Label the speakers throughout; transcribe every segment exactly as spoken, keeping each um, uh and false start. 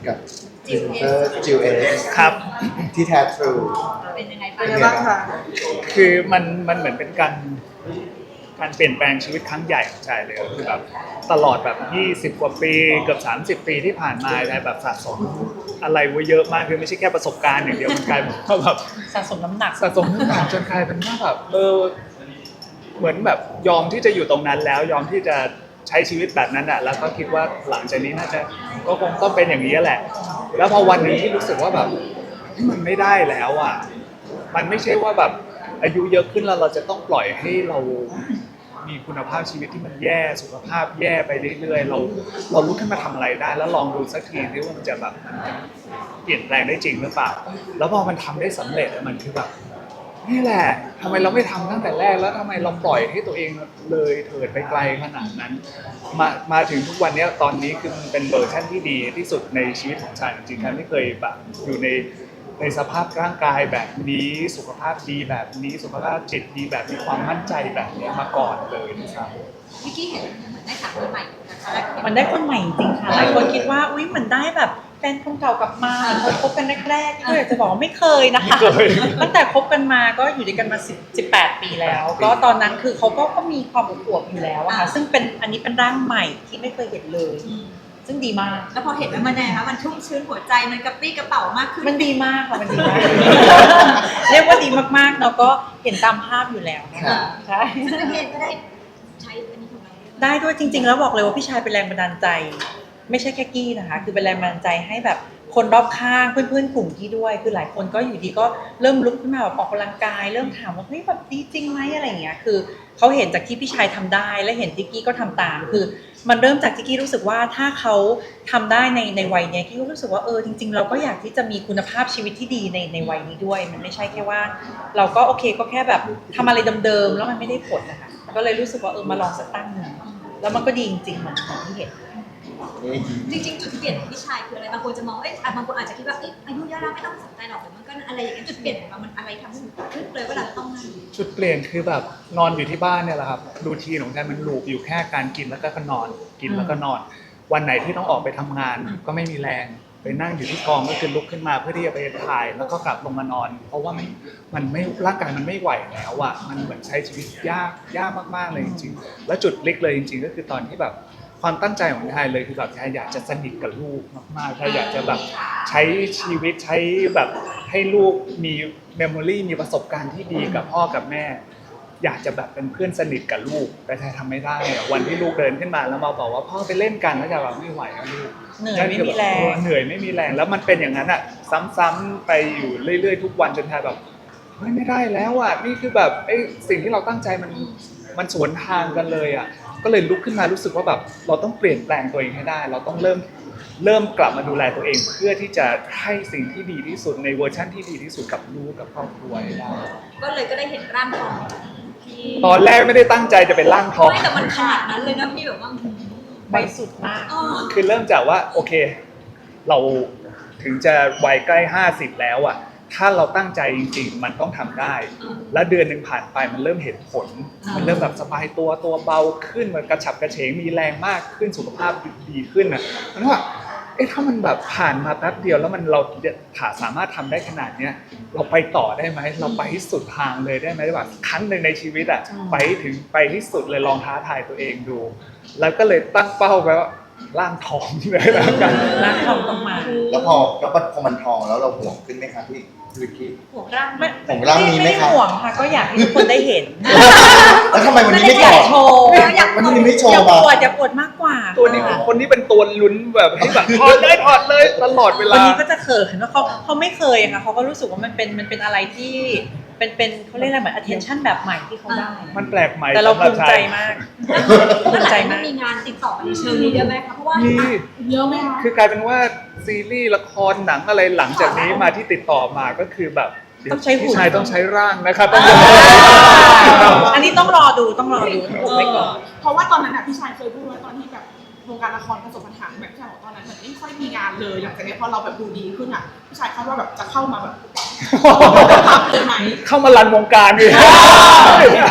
Speaker 1: กับจิวเตอร์จิวเอส
Speaker 2: ครับ
Speaker 1: ที่แท้ทรู
Speaker 3: เป็นยังไง
Speaker 1: เป็นยังไงบ้างคะ
Speaker 2: คือมันมันเหมือนเป็นการการเปลี่ยนแปลงชีวิตครั้งใหญ่ของชายเลยคือแบบตลอดแบบยี่สิบกว่าปีเกือบสามสิบปีที่ผ่านมาชายแบบสะสมอะไรไว้เยอะมากคือไม่ใช่แค่ประสบการณ์อย่างเดียวมันกลายเป็นว่าแบบ
Speaker 4: สะสมน้ำหนัก
Speaker 2: สะสมน้ำหนักจนกลายเป็นว่าแบบเออเหมือนแบบยอมที่จะอยู่ตรงนั้นแล้วยอมที่จะใช้ชีวิตแบบนั้นอ่ะแล้วก็คิดว่าหลังจากนี้น่าจะก็คงต้องเป็นอย่างนี้แหละแล้วพอวันนี้ที่รู้สึกว่าแบบมันไม่ได้แล้วอ่ะมันไม่ใช่ว่าแบบอายุเยอะขึ้นแล้วเราจะต้องปล่อยให้เรามีคุณภาพชีวิตที่มันแย่สุขภาพแย่ไปเรื่อยๆเราเราลุกขึ้นมาทำอะไรได้แล้วลองดูสักทีที่ว่ามันจะแบบมันจะเปลี่ยนแปลงได้จริงหรือเปล่าแล้วพอมันทำได้สำเร็จมันคือแบบนี่แหละทำไมเราไม่ทำตั้งแต่แรกแล้วทำไมเราปล่อยให้ตัวเองเลยเถิดไปไกลขนาดนั้นมามาถึงทุกวันนี้ตอนนี้คือมันเป็นเวอร์ชันที่ดีที่สุดในชีวิตของฉันจริงๆฉันไม่เคยแบบอยู่ในในสภาพร่างกายแบบนี้สุขภาพดีแบบนี้สุขภาพจิตดีแบบมีความมั่นใจแบบนี้มาก่อนเลยนะครับ
Speaker 3: วิกกี้เห็นเหมือนได้สามีใหม่นะคะ
Speaker 4: มันได้คนใหม่จริงค่ะหลายคนคิดว่าอุ้ยเหมือนได้แบบแฟนคนเก่ากลับมาคนคบกันแรกๆก็อยากจะบอกว่าไม่เคยนะคะตั้งแต่คบกันมาก็อยู่ด้วยกันมาสิบ สิบแปดปีแล้ว ก็ตอนนั้นคือเขาก็ก็มีความอวบอยู่แล้วอะค่ะซึ่งเป็นอันนี้เป็นร่างใหม่ที่ไม่เคยเห็นเลยซึ่งดีมาก
Speaker 3: แล้วพอเห็นแล้วมันยังไงคะมันชุ่มชื้นหัวใจมันกระปรี้กระเป๋ามากขึ้น
Speaker 4: มันดีมากค่ะมันดีมากเรียกว่าดีมากๆเนาะก็เห็นตามภาพอยู่แล้วนะคะใช่
Speaker 3: ซึ่งพี่เองก็ได้ใช้อันนี้ของเรา
Speaker 4: ได้ด้วยจริงๆแล้วบอกเลยว่าพี่ชายเป็นแรงบันดาลใจไม่ใช่แค่กี้นะคะคือเป็นแรงบันดาลใจให้แบบคนรอบข้างเพื่อนๆกลุ่มกี้ด้วยคือหลายคนก็อยู่ดีก็เริ่มลุกขึ้นมาแบบออกกำลังกายเริ่มถามว่าเฮ้ยแบบดีจริงไหมอะไรอย่างเงี้ยคือเขาเห็นจากที่พี่ชายทำได้และเห็นที่กี้ก็ทำตามคือมันเริ่มจากที่กี้รู้สึกว่าถ้าเขาทำได้ในในวัยเนี้ยกี้ก็รู้สึกว่าเออจริงๆเราก็อยากที่จะมีคุณภาพชีวิตที่ดีในในวัยนี้ด้วยมันไม่ใช่แค่ว่าเราก็โอเคก็แค่แบบทำอะไรเดิมๆแล้วมันไม่ได้ผลนะคะก็เลยรู้สึกว่าเออมาลองสักตั้งหนึ่งแล้วมันก็ดีจริงๆเหมือนที่เห็น
Speaker 3: จริงๆจุดเปลี่ยนของพี่ชายคืออะไรบางคนจะมองเอ้ยบางคนอาจจะคิดว่าเอ้ยอายุเยอะแล้วไม่ต้องสนใจหรอกแต่มันก็อะไรอย่างเงี้ยจุดเปลี่ยนของเรามันอะไรทำให้ขึ้นเลยว่าเราต้องนั่น
Speaker 2: จุดเปลี่ยนคือแบบนอนอยู่ที่บ้านเนี่ยแหละครับรูทีนของฉันมันลูปอยู่แค่การกินแล้วก็นอนกินแล้วก็นอนวันไหนที่ต้องออกไปทำงานก็ไม่มีแรงไปนั่งอยู่ที่กองก็คือลุกขึ้นมาเพื่อที่จะไปถ่ายแล้วก็กลับลงมานอนเพราะว่ามันมันไม่ร่างกายมันไม่ไหวแล้วอ่ะมันเหมือนใช้ชีวิตยากยากมากๆเลยจริงๆแล้วจุดพลิกเลยจริงๆก็คือตอนที่แบบความตั้งใจของชายเลยคือแบบชายอยากจะสนิทกับลูกมากๆชายอยากจะแบบใช้ชีวิตใช้แบบให้ลูกมีเมมโมรีมีประสบการณ์ที่ดีกับพ่อกับแม่อยากจะแบบเป็นเพื่อนสนิทกับลูกแต่ชายทำไม่ได้วันที่ลูกเดินขึ้นมาแล้วมาบอกว่าพ่อไปเล่นกันแล้วจะแบบไม่ไหวแล้วลูก
Speaker 4: เหนื่อยไม่มีแรง
Speaker 2: เหนื่อยไม่มีแรงแล้วมันเป็นอย่างนั้นอ่ะซ้ำๆไปอยู่เรื่อยๆทุกวันจนชายแบบเฮ้ยไม่ได้แล้วอ่ะนี่คือแบบไอ้สิ่งที่เราตั้งใจมันมันสวนทางกันเลยอ่ะก็เลยลุกขึ้นมารู้สึกว่าแบบเราต้องเปลี่ยนแปลงตัวเองให้ได้เราต้องเริ่มเริ่มกลับมาดูแลตัวเองเพื่อที่จะให้สิ่งที่ดีที่สุดในเวอร์ชั่นที่ดีที่สุดกับลูกกับครอบครัวให้ได้
Speaker 3: ก็เลยก็ได้เห็นร่างทอง
Speaker 2: ตอนแรกไม่ได้ตั้งใจจะเป็นร่างทอง
Speaker 3: ไม่แต่มันขนาดนั้นเลยนะพี่แบบว่า
Speaker 4: ไปสุดมาก
Speaker 2: คือเริ่มจากว่าโอเคเราถึงจะวัยใกล้ห้าสิบแล้วอ่ะถ้าเราตั้งใจจริงๆมันต้องทำได้และเดือนหนึ่งผ่านไปมันเริ่มเห็นผลมันเริ่มแบบสบายตัวตัวเบาขึ้นมันกระฉับกระเฉงมีแรงมากขึ้นสุขภาพดีขึ้นนะมันว่าเอ๊ะถ้ามันแบบผ่านมาแป๊บเดียวแล้วมันเราถ้าสามารถทำได้ขนาดเนี้ยเราไปต่อได้ไหมเราไปที่สุดทางเลยได้ไหมแบบครั้งหนึ่งในชีวิตอ่ะไปถึงไปที่สุดเลยลองท้าทายตัวเองดูแล้วก็เลยตั้งเป้าไว้ว่าร่างทองเลยแล้วกัน
Speaker 4: ร่างทองต้องมา
Speaker 1: แล้วพอแล้วพอมันทองแล้วเราห่วงขึ้นไหมครับพี่วิกกี้
Speaker 3: ห่วงร่าง
Speaker 4: ไม่
Speaker 1: ห่วงร่างนี้ไหมครับ
Speaker 4: ไม่ห่วงค่ะก็อยากให้ทุกคนได้เห็น
Speaker 1: แล้วทำไมวันนี้ไม่โชว์วันนี้ไม่โชว์
Speaker 4: อยากปวดอยากปวดมากกว่า
Speaker 2: ตัวนี้คนนี้เป็นตัวลุ้นแบบให้แบบถอดเลยถอดเลยตลอดเวลา
Speaker 4: วันนี้ก็จะเขินว่าเขาเขาไม่เคยค่ะเขาก็รู้สึกว่ามันเป็นมันเป็นอะไรที่เป็นเป็นเขาเรียกอะไรเหมือน attention แบบใหม่ที่เขาได้
Speaker 2: มันแปลกใหม่
Speaker 4: แต่เราภูมิใจมากภูมิใจมาก
Speaker 3: มีงานติดต่อในเชิงนี้เยอะไหมคะเพราะว่าเยอะไหมคะ
Speaker 2: คือกลายเป็นว่าซีรีส์ละครหนังอะไรหลังจากนี้มาที่ติดต่อมาก็คือแบบ
Speaker 4: ต้องใช้หุ่น
Speaker 2: ชายต้องใช้ร่างนะครับ
Speaker 4: อันนี้ต้องรอดูต้องรอดูไว้ก่อน
Speaker 5: เพราะว่าตอนนั้นพี่ชายเคยพูดว่าตอนที่แบบวงการละครประสบปัญหาแบบที่บอกตอนนั้นเหมือนไม่ค่อยมีงานเลยหลังจากนี้พอเราแบบดูดีขึ้นอ่ะพี่ชายคาดว่าแบบจะเข้ามาแบบทำเลยไหม
Speaker 2: เข้ามารันวงการดิ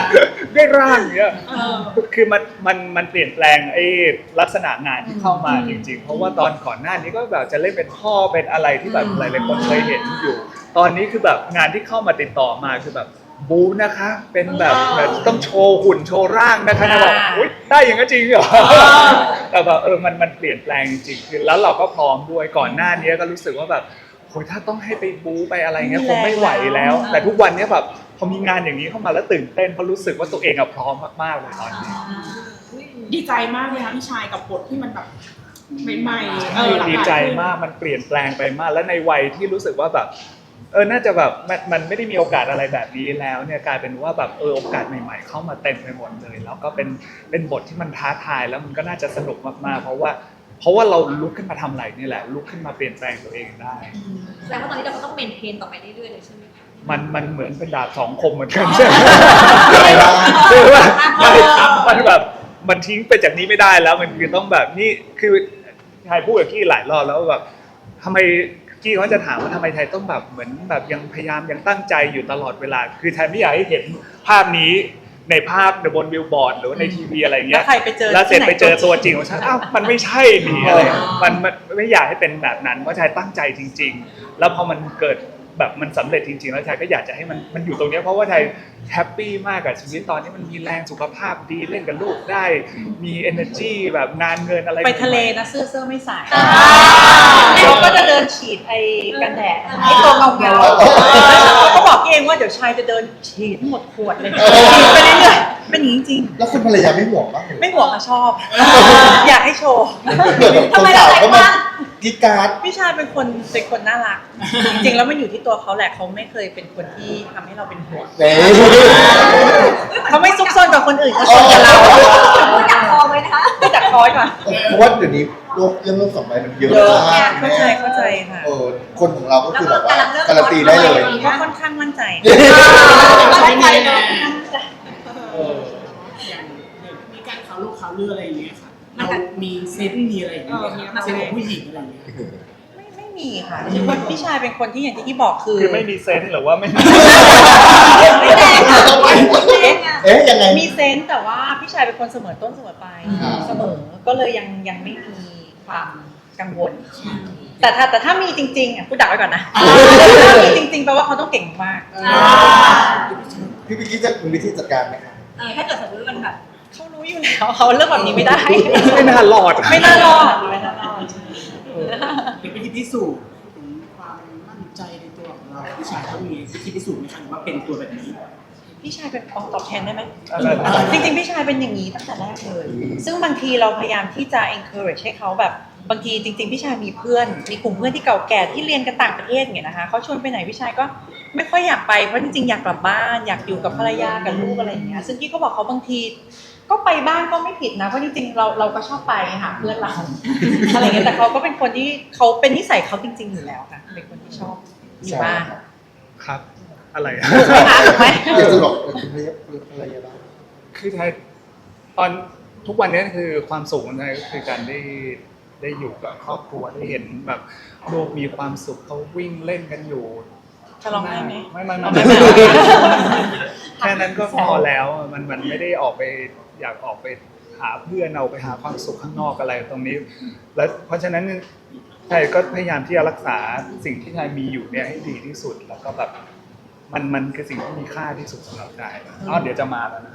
Speaker 2: ได้ร่างเนี้ย
Speaker 5: เออ
Speaker 2: คือมันมันมันเปลี่ยนแปลงไอ้ลักษณะงานที่เข้ามาจริงๆ เพราะว่าตอนก่อนหน้านี้ก็แบบจะเล่นเป็นพ่อเป็นอะไรที่แบบหลายๆคนเคยเห็นอยู่ ตอนนี้คือแบบงานที่เข้ามาติดต่อมาคือแบบบูนะคะ เป็นแบบแบบต้องโชว์หุ่นโชว์ร่างนะคะนะบอกอุ๊ยได้อย่างนั้นจริงเหรอแต่แบบเออมันมันเปลี่ยนแปลงจริงๆคือแล้วเราก็พร้อมด้วยก่อนหน้านี้ก็รู้สึกว่าแบบโหถ้าต้องให้ไปบูไปอะไรเงี้ยคงไม่ไหวแล้ว แต่ทุกวันนี้แบบพอมีงานอย่างนี้เข้ามาแล้วตื่นเต้นเพราะรู้สึกว่าตัวเองอะพร้อมมากๆเลยตอนนี้
Speaker 5: ดีใจมากเลยค่ะพี่ชายกับบทที่มันแบบใหม่ๆเออหลากหลาย
Speaker 2: ดีใจมากมันเปลี่ยนแปลงไปมาก แล้วในวัยที่รู้สึกว่าแบบเออน่าจะแบบมันมันไม่ได้มีโอกาสอะไรแบบนี้แล้วเนี่ยกลายเป็นว่าแบบเออโอกาสใหม่ ๆ เข้ามาเต็มไปหมดเลยแล้วก็เป็นเป็นบทที่มันท้าทายแล้วมันก็น่าจะสนุกมากๆ เพราะว่าเพราะว่าเราลุกขึ้นมาทำอะไรนี่แหละลุกขึ้นมาเปลี่ยนแปลงตัวเองได้
Speaker 3: แสดงว่าตอนนี้เราก็ต้องเมนเทนต่อไปเรื่อยๆเลยใช่ไหมคะ
Speaker 2: มันมันเหมือนเป็นดาบสองคมเหมือนกันใช่ไหมคือว่ามันแบบมันทิ้งไปจากนี้ไม่ได้แล้วมันคือต้องแบบนี่คือชายพูดกับกี้หลายรอบแล้วแบบทำไมกี้เขาจะถามว่าทำไมไทยต้องแบบเหมือนแบบยังพยายามยังตั้งใจอยู่ตลอดเวลา คือไทยไม่อยากให้เห็นภาพนี้ในภาพบนบิลบอร์ดหรือว่าในทีวีอะไรเงี้ย
Speaker 4: แล้วใครไปเจอ
Speaker 2: แล้วเสร็จ
Speaker 4: ที่ไหน
Speaker 2: ไปเจอตัวจริงของฉันอ้าวมันไม่ใช่นี่อะไรมันมันไม่อยากให้เป็นแบบนั้นเพราะชายตั้งใจจริง ๆ แล้วพอมันเกิดแบบมันสำเร็จจริงๆแล้วชายก็อยากจะให้มันมันอยู่ตรงนี้เพราะว่าชายแฮปปี้มากกับชีวิตตอนนี้มันมีแรงสุขภาพดีเล่นกับลูกได้มี energy แบบงานเงินอะไร
Speaker 4: ไปทะเลนะเสื้อเสื้อไม่ใส่เขาก็จะเดินฉีดไอ้กันแดดไอ้ตัวเงาเงาเขาก็บอกเองว่าเดี๋ยวชายจะเดินฉีดหมดขวดเลยฉีดไปเรื่อยๆเป็นอย่างนี้จริง
Speaker 1: แล้วคุณภรรยาไม่ห่วงบ้างเหรอ
Speaker 4: ไม่ห่วงอะชอบ อยากให้โชว์
Speaker 1: เผื่อแบบคนสาวก็มากรีดกราร์ด
Speaker 4: พี่ชายเป็นคนเป็นคนน่ารัก จริงๆแล้วมันอยู่ที่ตัวเขาแหละเขาไม่เคยเป็นคนที่ทำให้เราเป็นห่วง
Speaker 1: เน่
Speaker 4: เขาไม่ซุกซนกับคนอื่นเขาซนกับเรา
Speaker 3: พูดดักคอไว้นะคะ
Speaker 4: ไม่จัดคอยก่อน
Speaker 1: เพราะว่าเดี๋ยวนี้โลกเรื่องโลกสองใบมันเยอะ
Speaker 4: เยอะ
Speaker 1: มาก
Speaker 4: เข้าใจเข้าใจค่ะ
Speaker 1: เออคนของเราก็คือแบบว่าการันตีได้เลย
Speaker 4: ก็ค่อนข้างมั่นใจ
Speaker 3: ไม่ไปเลย
Speaker 1: เออ
Speaker 6: อย่างมีการข่าวลูกข่าวเรืออะไรอย่างเงี้ยค่ะเรามีเซนส์มีอะไรอย่างเงี้ยไหมคะเซนส์ของผู้หญิงอะไรอย่างเงี้ย
Speaker 4: ไม่ไม่มีค่ะคิดว่าพี่ชายเป็นคนที่อย่างที่ที่บอกคือ
Speaker 2: คือไม่มีเซนส์หรือว่าไม่มี
Speaker 4: ไม่แรงอะ
Speaker 1: เอ๊ะยังไง
Speaker 4: มีเซนส์แต่ว่าพี่ชายเป็นคนเสมอต้นเสมอปลาย
Speaker 1: อ่า
Speaker 4: เสมอก็เลยยังยังไม่มีความกังวล แต่ถ้าแต่ถ้ามีจริงๆอ่ะพูดดักไว้ก่อนนะถ้ามีจริงๆแปลว่าเขาต้องเก่งมาก
Speaker 1: พี่พิกกี้จะมีวิธีจัดการไหมครับ
Speaker 3: เออถ้าเกิดสมมติมันแบบ
Speaker 4: เขารู้อยู่แล้วเขาเรื่องแบบนี้ไม่ได้
Speaker 2: ไม่น่ารอด
Speaker 4: ไม่น่ารอดไม่น่ารอด
Speaker 6: เป็นวิธีพิสูจน์ถึงความมั่นใจในตัวของเราผู้ชายเขามีวิธีพิสูจน์ไหมคะว่าเป็นตัวแบบนี้
Speaker 4: พี่ชายเป็นตอบแทนได้ไหม
Speaker 2: อะไรนะ
Speaker 4: จริงๆพี่ชายเป็นอย่างนี้ตั้งแต่แรกเลย ซึ่งบางทีเราพยายามที่จะ encourage ให้เขาแบบบางทีจริงๆพี่ชายมีเพื่อน มีกลุ่มเพื่อนที่เก่าแก่ที่เรียนกันต่างประเทศอย่างเงี้ยนะคะเขาชวนไปไหนพี่ชายก็ไม่ค่อยอยากไปเพราะจริงๆอยากกลับบ้านอยากอยู่กับภรรยากับลูกอะไรอย่างเงี้ยซึ่งพี่ก็บอกเขาบางทีก็ไปบ้างก็ไม่ผิดนะเพราะจริงๆเราเราก็ชอบไปหาเพื่อนเราอะไรเงี้ยแต่เขาก็เป็นคนที่เขาเป็นนิสัยเขาจริง ๆอยู่แล้วค่ะเป็นคนที่ชอบอยู่บ้าน
Speaker 2: ครับ อะไรอะ
Speaker 4: ถูกไหม
Speaker 1: อยากจะบอกคุณภรรยาบ้าง
Speaker 2: คือไทยตอนทุกวันนี้คือความสุขของไทยก็คือการได้ได้อยู่กับครอบครัวได้เห็นแบบลูกมีความสุขเขาวิ่งเล่นกันอยู่
Speaker 4: จะลองได้ไหม
Speaker 2: ไม่ไม่
Speaker 4: เอา
Speaker 2: ไม่
Speaker 4: ไม่
Speaker 2: ไม่
Speaker 4: ไม่
Speaker 2: แค่นั้นก็พอแล้วมันมันไม่ได้ออกไปอยากออกไปหาเพื่อนเอาไปหาความสุขข้างนอกอะไรตรงนี้ แล้วเพราะฉะนั้นไทยก็พยายามที่จะรักษาสิ่งที่ไทยมีอยู่เนี่ยให้ดีที่สุดแล้วก็แบบมันมันคือสิ่งที่มีค่าที่สุดสำหรับไทยอ๋อเดี๋ยวจะมาแล้วนะ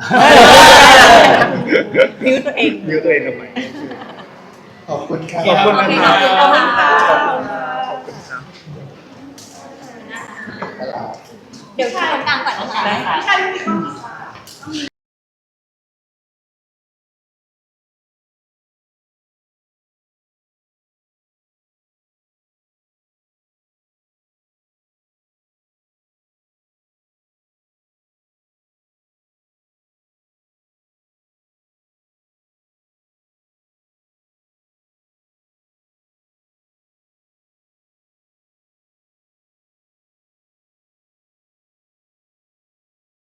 Speaker 4: บิวตัวเอง
Speaker 2: ยื้อตัวเองทำไม
Speaker 1: ขอบคุณครับ
Speaker 2: ขอบคุณนะครับ
Speaker 4: ขอบคุณค่ะ
Speaker 2: ขอบคุณครับ
Speaker 3: เดี๋ยวชายตรงกลางก่อนนะคะ
Speaker 4: ได้ค่ะ
Speaker 3: พี่ชาย